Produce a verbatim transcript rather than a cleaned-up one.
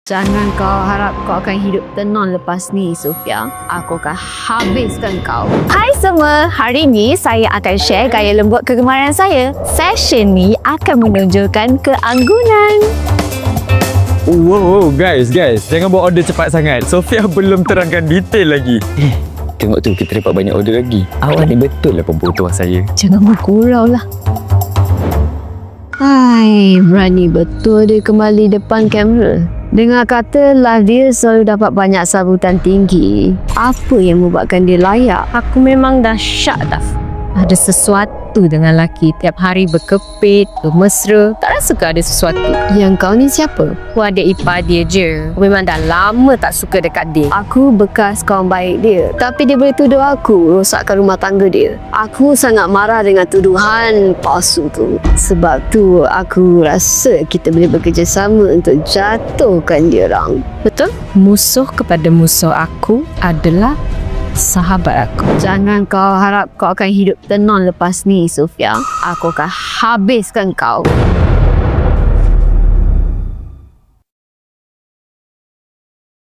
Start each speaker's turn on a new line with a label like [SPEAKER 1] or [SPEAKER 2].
[SPEAKER 1] Jangan kau harap kau akan hidup tenang lepas ni, Sofia. Aku akan habiskan kau.
[SPEAKER 2] Hai semua, hari ni saya akan share gaya lembut kegemaran saya. Session ni akan menunjukkan keanggunan.
[SPEAKER 3] Wow, wow, guys, guys. Jangan buat order cepat sangat. Sofia belum terangkan detail lagi.
[SPEAKER 4] Eh, tengok tu, kita dapat banyak order lagi. Awak ni betul lah perempuan tuah saya.
[SPEAKER 2] Jangan bergurau lah.
[SPEAKER 1] Hai, berani betul dia kembali depan kamera. Dengar kata live dia selalu dapat banyak sambutan tinggi. Apa yang membuatkan dia layak?
[SPEAKER 2] Aku memang dah syak dah. Ada sesuatu dengan lelaki. Tiap hari berkepit, bermesra. Tak rasa ke ada sesuatu?
[SPEAKER 1] Yang kau ni siapa?
[SPEAKER 2] Aku adik ipar dia je. Aku memang dah lama tak suka dekat dia.
[SPEAKER 1] Aku bekas kawan baik dia. Tapi dia boleh tuduh aku rosakkan rumah tangga dia. Aku sangat marah dengan tuduhan palsu tu. Sebab tu aku rasa kita boleh bekerjasama untuk jatuhkan dia orang.
[SPEAKER 2] Betul? Musuh kepada musuh aku adalah sahabat aku.
[SPEAKER 1] Jangan kau harap kau akan hidup tenang lepas ni, Sofia. Aku akan habiskan kau.